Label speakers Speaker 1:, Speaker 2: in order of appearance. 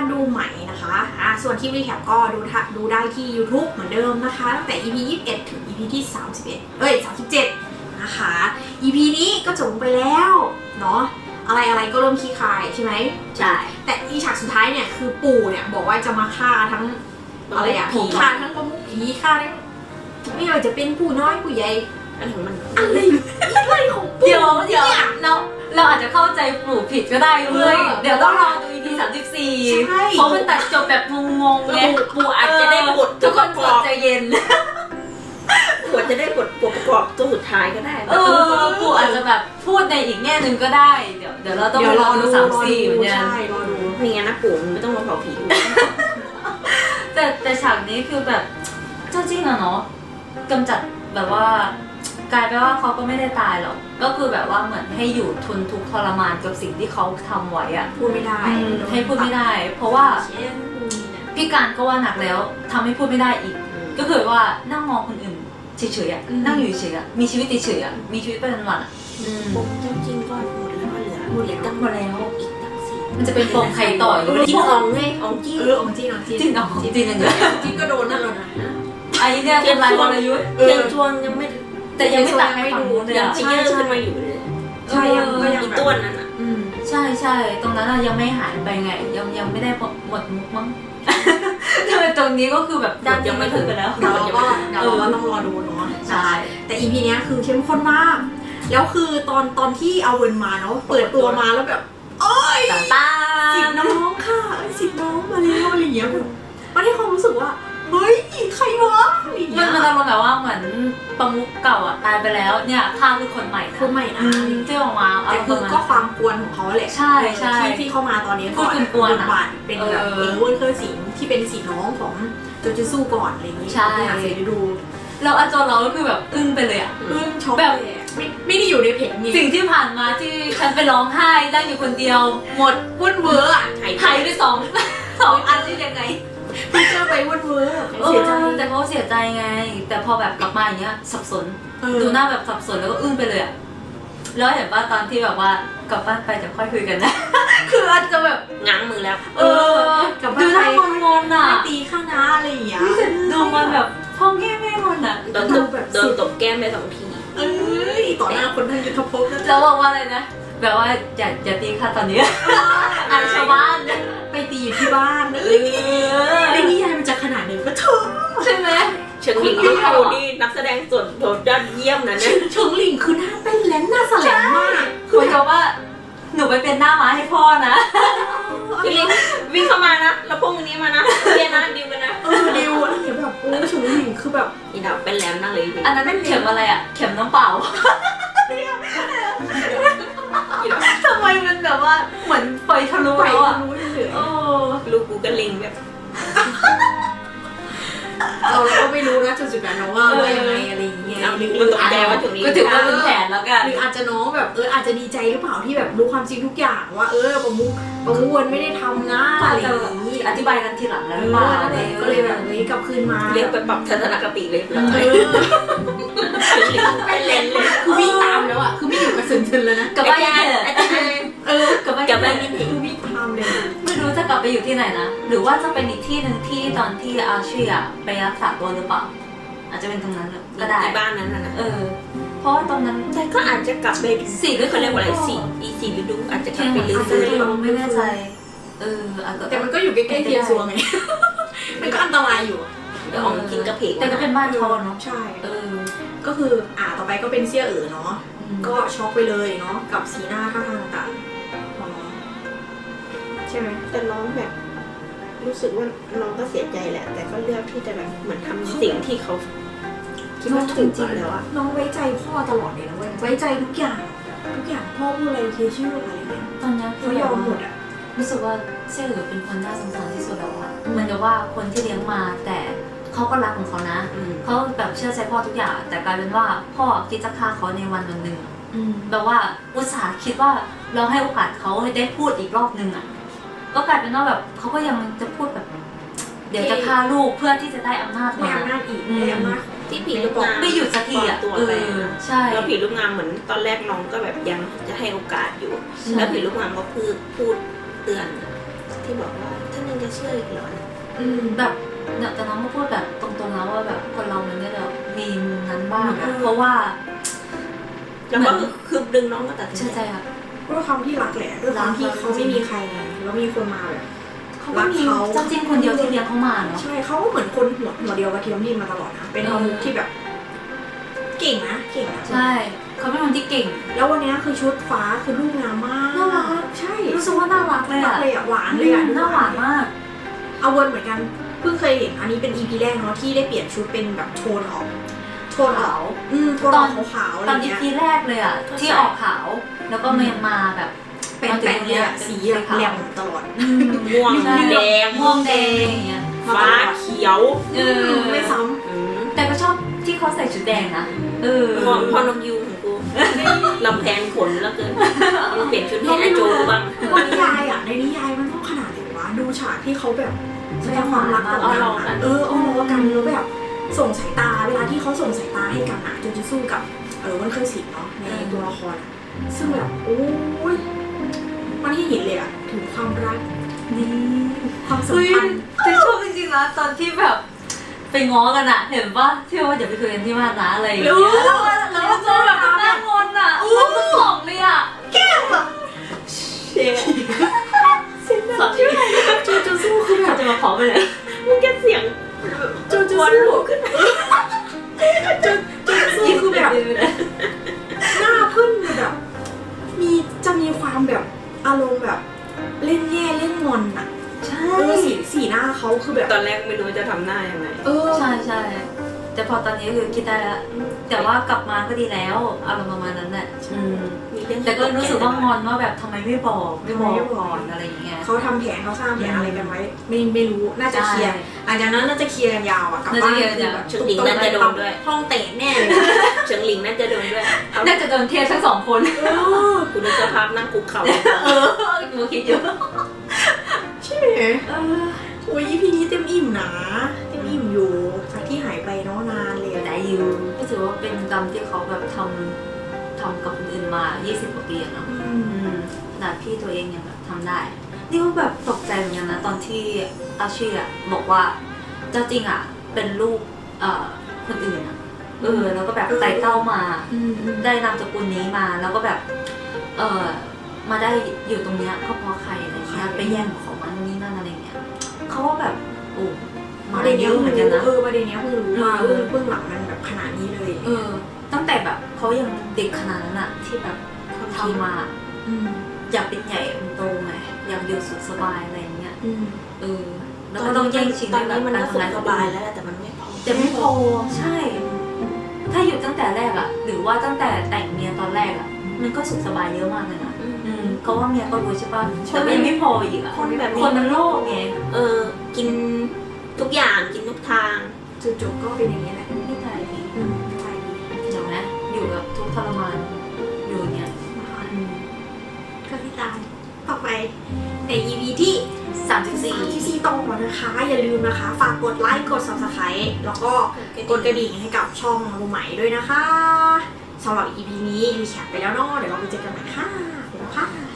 Speaker 1: การดูใหม่นะคะส่วนคลิปรีแคปก็ดูได้ที่ YouTube เหมือนเดิมนะคะตั้งแต่ EP 21 ถึง EP ที่37นะคะ EP นี้ก็จบไปแล้วเนาะอะไรก็เริ่มขี้คายใช่ไหม
Speaker 2: ใช่
Speaker 1: แต่อีฉากสุดท้ายเนี่ยคือปู่เนี่ยบอกว่าจะมาฆ่าทั้งอะไรอะผีฆ่าทั้งประมุขผีฆ่าทั้งไม่ว่าจะเป็นผู้น้อยผู้ใหญ่อะไรของมันอะไรของปู่
Speaker 2: เดี๋ยวเราอาจจะเข้าใจปู่ผิดก็ได้เว้ยเดี๋ยวต้องรอดู EP 34เพราะมันตัดจบแบบงงๆไง
Speaker 3: ปู่อาจจะได้บท
Speaker 2: ทุกคนใจเย็น
Speaker 3: ปู่จะได้บทประกอบตัวสุดท้ายก็ได้
Speaker 2: ปู่อาจจะแบบพูดในอีกแง่หนึ่งก็ได้เดี๋ยวเราต้องรอดู34เหมือนกัน
Speaker 1: ใช่รอดู
Speaker 3: มีงั้นนะปู่ไม่ต้องมาเผาผี
Speaker 2: แต่ฉากนี้คือแบบเจ้าจริงอะเนาะกำจัดแบบว่ากลายไปว่าเขาก็ไม่ได้ตายหรอกก็คือแบบว่าเหมือนให้อยู่ทนทุกข์ทรมานกับสิ่งที่เขาทำไว้อะ
Speaker 1: พูดไม่ได้
Speaker 2: ให้พูดไม่ได้เพราะว่าพี่การก็ว่าหนักแล้วทำให้พูดไม่ได้อีกก็คือว่านั่งมองคนอื่นเฉยๆอะนั่งอยู่เฉยๆอะมีชีวิตเฉยๆอะมีชีวิตประจำวันอะ
Speaker 3: ปมจริงๆก็หมดแล้วเหลือ
Speaker 2: ตั้งหมดแล้ว
Speaker 3: อีกตั้งสี่
Speaker 2: มันจะเป็นปมใครต่ออยู่
Speaker 3: จิ้งอ่องไงอ่องจี้
Speaker 1: อ่องจี้
Speaker 2: จิ้งอ่องจิ้งกันอยู่
Speaker 1: จิ้งก็โดนนั่นแหละนะ
Speaker 2: ไอ้เนี่ยเป็นลายวรยุทธ์
Speaker 3: เทียนทวงยังไม่
Speaker 2: แต่ยังไม่ตัดไปฝั่งนู้นเลย
Speaker 3: ยังเยอะขึ้นมาอยู่เลย
Speaker 1: ใช่ยัง
Speaker 3: อีต้นนั่นอ่ะ
Speaker 2: ใช่ตรงนั้นยังไม่หายไปไงยังไม่ได้หมดมุกมั้งตรงนี้ก็คือแบบ
Speaker 3: ยังไม่ถึงไปแล้ว
Speaker 1: เราก็ต้องรอดูเนาะใช่แต่ EP นี้คือเข้มข้นมากแล้วคือตอนที่เอาเวิร์นมาเนาะเปิดตัวมาแล้วแบบโอ๊ยสิทธิ์น้องค่ะสิทธิ์น้องมาแล้วอะไรอย่างเงี้ยแบบมันให้ความรู้สึกว่าเฮ้ยใครวะ
Speaker 2: มันอารมณ์แบบว่าเหมือนประมุขเก่าอ่ะตายไปแล้วเนี่ยข้าคือคนใหม่ที่ออกมา
Speaker 1: แต่คือก็ความกวนของเขาแหละ
Speaker 2: ใช่
Speaker 1: ที่เข้ามาตอนนี้
Speaker 2: ก็กวน
Speaker 1: บาทเป็นแบบเวิร์นเคอร์สิงที่เป็นสีน้องของโจจูซูก่อนอะไรอย่างงี้
Speaker 2: ใช่
Speaker 1: ดู
Speaker 2: แล้วอาจารย์เราก็คือแบบอึ้งไปเลยอ่ะ
Speaker 1: ช็อกแบบไม่ได้อยู่ในเพจนี่
Speaker 2: สิ่งที่ผ่านมาที่ฉันไปร้องไห้นั่งอยู่คนเดียวหมด
Speaker 1: วุ่นเวอร์อ่ะ
Speaker 2: ไทยด้วยสองอันได้ยังไง
Speaker 1: พี่เจอไปวุ่นเวอร์
Speaker 2: เสียใจแต่เขาเสียใจไงแต่พอแบบกลับมาอย่างเงี้ยสับสนดูหน้าแบบสับสนแล้วก็อึ้งไปเลยอ่ะแล้วเห็นว่าตอนที่แบบว่ากลับบ้านไปจะค่อยคุยกันนะคืออาจจะแบบ
Speaker 3: ง้างมือแล้ว
Speaker 1: กลับบ้านไป
Speaker 2: งอนอ่ะ
Speaker 1: ตีข้างหน้าอะไรอย่างเงี้ย
Speaker 2: ดูมันแบบพ่อแง่งอนอ่ะ
Speaker 3: โดนตบแก้มไป2 ที
Speaker 1: ต่อหน้าคนทั้งยุทธภพ
Speaker 2: แล้วบอกว่าอะไรนะแบบว่าอย่าตีค่ะตอนนี้อันชาวบ้าน
Speaker 1: ไปตีอยู่ที่บ้านในนิยายมันจะขนาดไหนก็เธอ
Speaker 2: ใช่ไหม
Speaker 3: เฉิงหลิงที่ดูนี่นักแสดงส่วนโดดยอดเยี่ยมนะเนี่ย
Speaker 1: เฉิงหลิงคือหน้าเต้นแลนหน้าแสลงมาก
Speaker 2: คือเขาว่าหนูไปเป็นหน้าม้าให้พ่อนะ
Speaker 3: พี่ลิงวิ่งเข้ามานะแล้วพวกนี้มานะเรียนนะดิวกันนะ
Speaker 1: ดิวอะไรแบบเฉิงหลิงคือแบบ
Speaker 3: อีดาวเป็นแหลมนั่งเลย
Speaker 2: อันนั้นเป็นเข็มอะไรอ่ะเข็มน้ำเปล่าทำไมมันแบบว่าเหมือนไฟทะลุแล้วอ่ะ
Speaker 3: ลูกกูก็ลิงแบบ
Speaker 1: เราก็ไม่รู้นะจุดนั้นว่ายังไงอะไรอย่างเงี้ย
Speaker 3: หรืออาจจะว่าถึงนี้
Speaker 2: ก็ถือว่าเป็นแผนแล้วกัน
Speaker 1: หรืออาจจะน้องแบบอาจจะดีใจหรือเปล่าที่แบบรู้ความจริงทุกอย่างว่าประมุขไม่ได้ทำนะอะไรอย่างนี้
Speaker 2: อธิบายกันทีหลังแล้วหรือเปล่า
Speaker 1: ก็เลยแบบกลับคืนมา
Speaker 3: เรียกไปปรับทัศนคติเลย
Speaker 1: ไปเล่นเลยคือวิ่งตามแล้วอ่ะคือไม่อยู่กับซึนแล้วนะ
Speaker 2: กับบ้าน
Speaker 3: กับบ้านนี่
Speaker 1: คือวิ่งตามเลย
Speaker 2: ไม่รู้จะกลับไปอยู่ที่ไหนนะหรือว่าจะเป็นอีกที่หนึ่งที่ตอนที่อาชีอะไปรักษาตัวหรือเปล่าอาจจะเป็นตรงนั้นก็ได้
Speaker 3: ที่บ้านนั้นนะ
Speaker 2: เพราะว่าตรงนั้น
Speaker 3: แต่ก็อาจจะกลับไป
Speaker 2: 4ฤดู
Speaker 3: เขาเรียกว่าอะไร4ฤดูอาจจะกลับไปรื้อ
Speaker 2: ไม่แน่ใจ
Speaker 1: แต่มันก็อยู่ใกล้ๆเทียนซัวไงมันก็อันตรายอยู่
Speaker 3: เดี๋ยวออกกินกระเพก
Speaker 2: แต่ก็เป็นบ้านเขาเนาะ
Speaker 1: ใช่ก็คือต่อไปก็เป็นเสี่ยเนาะก็ช็อกไปเลยเนาะกับสีหน้าท่าทางต่างของน้องใช่ไหม
Speaker 3: แต่น้องแบบรู้สึกว่าน้องก็เสียใจแหละแต่ก็เลือกที่จะแบบเหมือนทำสิ่งที่เขา
Speaker 1: คิดว่าถูกจริงแล้วอะน้องไว้ใจพ่อตลอดเลยนะไว้ใจทุกอย่างพ่อพูดอะไรเคเชื่ออะไรเงี้ย
Speaker 2: ตอนนี้
Speaker 1: เขายอมหมดอะ
Speaker 2: รู้สึกว่าเสี่ยเป็นคนน่าสงสารที่สุดแล้วอะเหมือนกับว่าคนที่เลี้ยงมาแต่เขาก็รักของเขานะเขาแบบเชื่อใจพ่อทุกอย่างแต่กลายเป็นว่าพ่อคิดจะฆ่าเขาในวันหนึ่งแบบว่าอุตส่าห์คิดว่าเราให้โอกาสเขาได้พูดอีกรอบนึงอ่ะก็กลายเป็นว่าแบบเขาก็ยังจะพูดแบบเดี๋ยวจะฆ่าลูกเพื่อที่จะได้อำนาจมา
Speaker 1: อำนาจอีกได้อำนาจ
Speaker 3: ที่ผีลูกงาม
Speaker 2: ไม่หยุดสักทีอ่ะใช่
Speaker 3: แล้วผีลูกงามเหมือนตอนแรกน้องก็แบบยังจะให้โอกาสอยู่แล้วผีลูกงามก็พูดเตือนที่บอกว่าถ้ายังเชื่ออีกเหรอ
Speaker 2: แบบแต่น้องก็พูดแบบตรงๆแล้วว่าแบบคนเรามันเนี่ยแบบมีมุมนั้นบ้างอะเพราะว่า
Speaker 3: แล้วก็คือดึงน้องก็ตัดสิน
Speaker 2: เชื่อใจอะ
Speaker 1: ด้วยความที่รักแหละด้วยความที่เขาไม่มีใครไงแล้วมีคนมาแบบ
Speaker 2: เขาก็มีเจ้าจิ้นคนเดียวที่เลี้ยงเขามาเนาะ
Speaker 1: ใช่เขาก็เหมือนคนหัวเดียวกับเทียมดินมาตลอดนะเป็นอาวุธที่แบบ เก่งนะเก่งนะ
Speaker 2: ใช่เขาเป็นคนที่เก่ง
Speaker 1: แล้ววันนี้คือชุดฟ้าคือลูกงามมาก
Speaker 2: น่ารัก
Speaker 1: ใช่
Speaker 2: รู้สึกว่าน่ารักเลย
Speaker 1: รัก
Speaker 2: อะ
Speaker 1: เลยอ่ะหวานเลยอ่ะ
Speaker 2: น่าหวานมาก
Speaker 1: เอาวนเหมือนกันเพิ่งเคยเห็นอันนี้เป็น EP แรกเนาะที่ได้เปลี่ยนชุดเป็นแบบโทนออกโทนออกโทนออกขาวๆอะไร
Speaker 2: ตอน
Speaker 1: เงี้ย
Speaker 2: EP แรกเลยอะที่ออกขาวแล้วก็มาแบบ
Speaker 1: เป็นแปะเนี่ยสีแบบแหลมตลอด
Speaker 3: ม่วง
Speaker 2: ใช่
Speaker 3: แดง
Speaker 2: ม่วงแดงอย่างเงี้ย
Speaker 3: ฟ้าเขียว
Speaker 1: ไม่ซ้
Speaker 2: แต่ก็ชอบที่เขาใส่ชุดแดงนะ
Speaker 3: พอนกยูงของกูลำแพงขนแล้วเกินยังเปลี่ยนชุดให้ไอโจบ้าง
Speaker 1: ำว่านิยายอ่ะในนิยายมันต้องขนาดไหนวะดูฉากที่เขาแบบแสดงความรักต่อกันอะเอาล้อกันแล้วแบบส่งสายตาเวลาที่เขาส่งสายตาให้กันอะจะสู้กับวันเคยสิทธิ์เนาะในตัวละครอะซึ่งแบบโอ้ยมันให้เห็นเลยอะถึงความรัก
Speaker 2: นี่
Speaker 1: ความสัมพันธ์
Speaker 2: แต่ชอบจริงๆนะตอนที่แบบไปง้อกันอะเห็นป่ะที่ว่าอย่าไปคุยกันที่บ้านนะอะไรอย่างเงี้ยแล้วก็เจอแบบหน้างอนอะมันก็สองเลยอะ
Speaker 1: แก้มแบบ
Speaker 3: เสียง
Speaker 2: สองที่
Speaker 1: จะสู้คือแบบ
Speaker 2: จะมาขอไปเลย
Speaker 3: มึงแกเสียง
Speaker 1: จะ
Speaker 3: วัน
Speaker 1: สู้
Speaker 3: ลุกขึ้น
Speaker 1: จะสู้คือแบบหน้าพึ่งแบบจะมีความแบบอารมณ์แบบเล่นแย่เล่นงอนอะ
Speaker 2: ใช่
Speaker 1: สีหน้าเขาคือแบบ
Speaker 3: ตอนแรกไม่รู้จะทำหน้ายังไง
Speaker 2: ใช่ใช่แต่พอตอนนี้คือคิดได้แล้วแต่ว่ากลับมาก็ดีแล้วอารมณ์ประมาณนั้นแหละ
Speaker 3: มีเรื่อง
Speaker 2: แต่ก็รู้สึกว่างอนว่าแบบทำไมไม่บอกก่อนอะไรอย่างเงี้ย
Speaker 1: เขาทำแผนเขาสร้างแผนอะไรกันไว้ไม่รู้น่าจะเคลียร์หลังจากนั้นน่าจะเคลียร์กันยาวอะกลับบ้านชุดหลิงน่าจะโดนด้วยห้องเตะแน่เลย
Speaker 3: เฉิงหลิงน่าจะโดนด้วย
Speaker 2: น่าจะโดนเทียบทั้งสองคน
Speaker 3: คุณดูสภาพนั่งคุกเข่า
Speaker 2: กูคิดอยู่
Speaker 1: ใช่ไหมโอ้ย EP นี้เต็มอิ่มนะเต็มอิ่มอยู่จากที่หายไปเนาะนานเลย
Speaker 2: ได้อยู่ก็ถือว่าเป็นกรรมที่เขาแบบทำกับคนอื่นมา 20 กว่าปีอะเนาะขนาดพี่ตัวเองยังแบบทำได้ นี่ก็แบบตกใจเหมือนกันนะตอนที่อาชีอะบอกว่าเจ้าจริงอะเป็นลูกคนอื่นอะแล้วก็แบบไต่เต้ามาได้นามสกุลนี้มาแล้วก็แบบมาได้อยู่ตรงเนี้ยก็เพราะใครอะไรเงี้ยไปแย่งของมันนี่นั่นอะไรเงี้ยเขาก็แบบโอ้มา
Speaker 1: ประเด็น
Speaker 2: เย
Speaker 1: นี้
Speaker 2: อะเหมือนกันนะ
Speaker 1: ประเด็นนี้เพิ่งรู้ว่าเบื้องหลังมันแบบขนาดนี้เลย
Speaker 2: ตั้งแต่แบบเขายังเด็กขนาดนั้นอะที่แบบทำมาอยากเป็นใหญ่เป็นโตไงอยากอยู่สุขสบายอะไรอย่างเงี้ยแล้วก็ต้องแย่งชิง
Speaker 3: ตอน
Speaker 2: แบบ
Speaker 3: นี้มัน
Speaker 2: การ
Speaker 3: ก็สุ
Speaker 2: ทำงาน
Speaker 3: ขสบายแล้วแต่มันไม่พอ
Speaker 2: แต่ไม่พอใช่ ถ้าอยู่ตั้งแต่แรกอะหรือว่าตั้งแต่แต่งเมียตอนแรกอะมันก็สุขสบายเยอะมากเลยนะเพราะว่าเมียก็รู้ใช่ป่ะแต่มันยังไม่พออีกอะ
Speaker 3: คนแบบ
Speaker 2: คนมันโลภไง
Speaker 3: กินทุกอย่างกินทุกทาง
Speaker 1: จุดจบก็เป็นอย่างนี้แหละ
Speaker 2: ไม่ตายดี
Speaker 1: ใช่ดี
Speaker 2: เดี๋ยวนะอยู่กับทุกข์ทรมานอยู่อย่างเงี้ย
Speaker 1: ก็ที่ตามต่อไปใน EP ที่34ต่อนะคะ อย่าลืมนะคะ ฝากกดไลค์กด Subscribe แล้วก็กดกระดิ่งให้กับช่องรูใหม่ด้วยนะคะสำหรับ EP นี้รีแคปไปแล้วเนาะเดี๋ยวเราไปเจอกันใหม่ค่ะไปแล้วค่ะ